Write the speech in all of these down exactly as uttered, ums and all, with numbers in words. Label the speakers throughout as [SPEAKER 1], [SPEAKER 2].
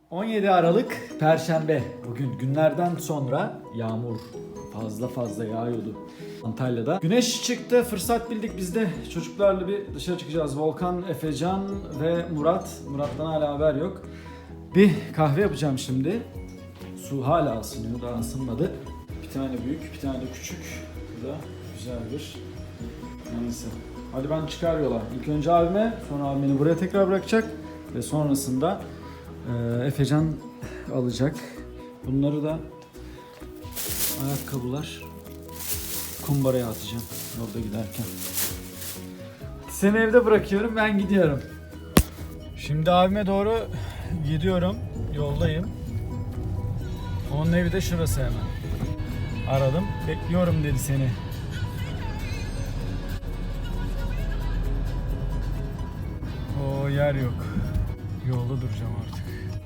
[SPEAKER 1] on yedi Aralık Perşembe. Bugün günlerden sonra yağmur fazla fazla yağıyordu Antalya'da. Güneş çıktı, fırsat bildik biz de çocuklarla bir dışarı çıkacağız. Volkan, Efecan ve Murat. Murat'tan hala haber yok. Bir kahve yapacağım şimdi. Su hala ısınıyor, daha ısınmadı. Bir tane büyük, bir tane küçük. Bu da güzel bir. Neyse. Hadi ben çıkar yola. İlk önce abime, sonra abim beni buraya tekrar bırakacak. Ve sonrasında e, Efecan alacak. Bunları da ayakkabılar kumbaraya atacağım yolda giderken. Seni evde bırakıyorum, ben gidiyorum. Şimdi abime doğru gidiyorum. Yoldayım. Onun evi de şurası hemen. Aradım. Bekliyorum dedi seni. O yer yok. Yolda duracağım artık.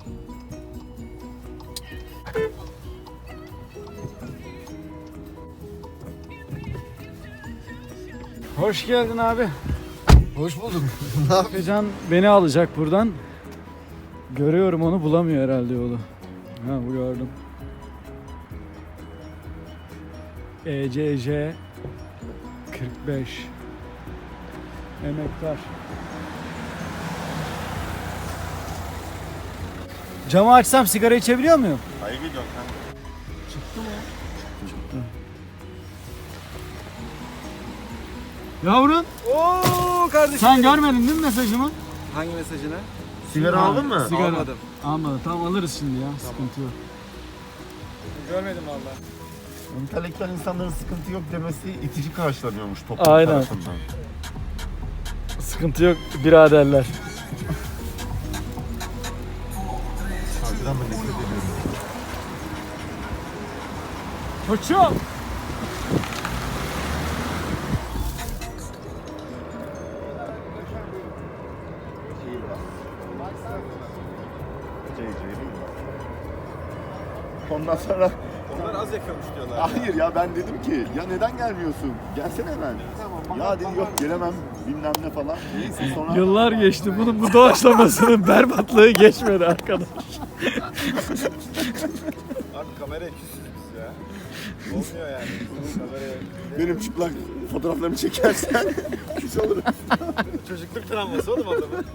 [SPEAKER 1] Hoş geldin abi.
[SPEAKER 2] Hoş bulduk.
[SPEAKER 1] Efecan beni alacak buradan. Görüyorum onu, bulamıyor herhalde yolu. Ha, bu gördüm. E C J kırk beş Emektar. Camı açsam sigara içebiliyor muyum?
[SPEAKER 2] Hayır gidiyorum kanka.
[SPEAKER 1] Çıktı mı? Çıktı. Yavrun.
[SPEAKER 3] Oo kardeşim.
[SPEAKER 1] Sen görmedin değil mi mesajımı?
[SPEAKER 3] Hangi mesajını?
[SPEAKER 2] Sigara aldın mı?
[SPEAKER 1] Sigara.
[SPEAKER 3] Almadım.
[SPEAKER 1] Almadım. Tamam, alırız şimdi ya. Sıkıntı yok.
[SPEAKER 3] Görmedim valla.
[SPEAKER 2] Entelektüel insanların sıkıntı yok demesi itici karşılanıyormuş toplum
[SPEAKER 1] Aynen.
[SPEAKER 2] tarafından.
[SPEAKER 1] Sıkıntı yok biraderler.
[SPEAKER 2] Saygıdan da nefret ediyorum.
[SPEAKER 1] Koçum.
[SPEAKER 2] C C değil mi? Ondan sonra
[SPEAKER 3] Onlar az yakıyormuş diyorlar.
[SPEAKER 2] hayır ya, ben dedim ki ya neden gelmiyorsun? Gelsene hemen. Ya dedi yok gelemem bilmem ne falan. Neyse sonra
[SPEAKER 1] Yıllar geçti. Bunun bu doğaçlamasının berbatlığı geçmedi arkadaş.
[SPEAKER 3] Abi kameraya küsüz biz ya. Olmuyor yani. Kameraya.
[SPEAKER 2] benim çıplak fotoğraflarımı çekersen küs olurum.
[SPEAKER 3] Çocukluk travması oğlum adamın.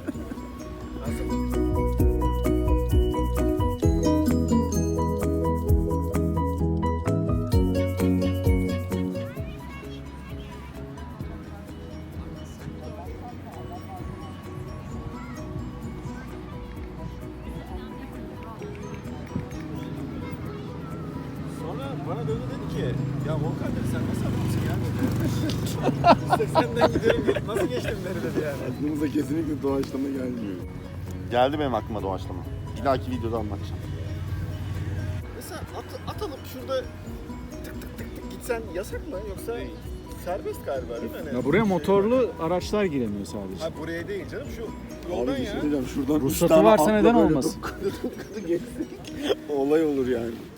[SPEAKER 3] Sonra bana döndü dedi ki ya Volkan dedi sen nasıl adamsın ya dedi. seksenden gidiyorum gelip nasıl geçtim dedi dedi yani.
[SPEAKER 2] Aklımıza kesinlikle doğaçlama gelmiyor. Geldi benim aklıma doğaçlama. Bir dahaki videoda anlatacağım.
[SPEAKER 3] Mesela at, atalım şurada tık tık tık tık gitsen yasak mı yoksa serbest galiba değil mi? Hani
[SPEAKER 1] Ya buraya
[SPEAKER 3] şey-
[SPEAKER 1] motorlu araçlar giremiyor sadece.
[SPEAKER 3] Ha buraya değil canım şu yoldan
[SPEAKER 2] Abi bir
[SPEAKER 3] ya.
[SPEAKER 2] şey diyeceğim, şuradan üç
[SPEAKER 1] Ruhsatı
[SPEAKER 2] tane
[SPEAKER 1] varsa
[SPEAKER 2] atla
[SPEAKER 1] neden
[SPEAKER 2] böyle
[SPEAKER 1] olmasın?
[SPEAKER 2] dokudu dokudu geçsek olay olur yani.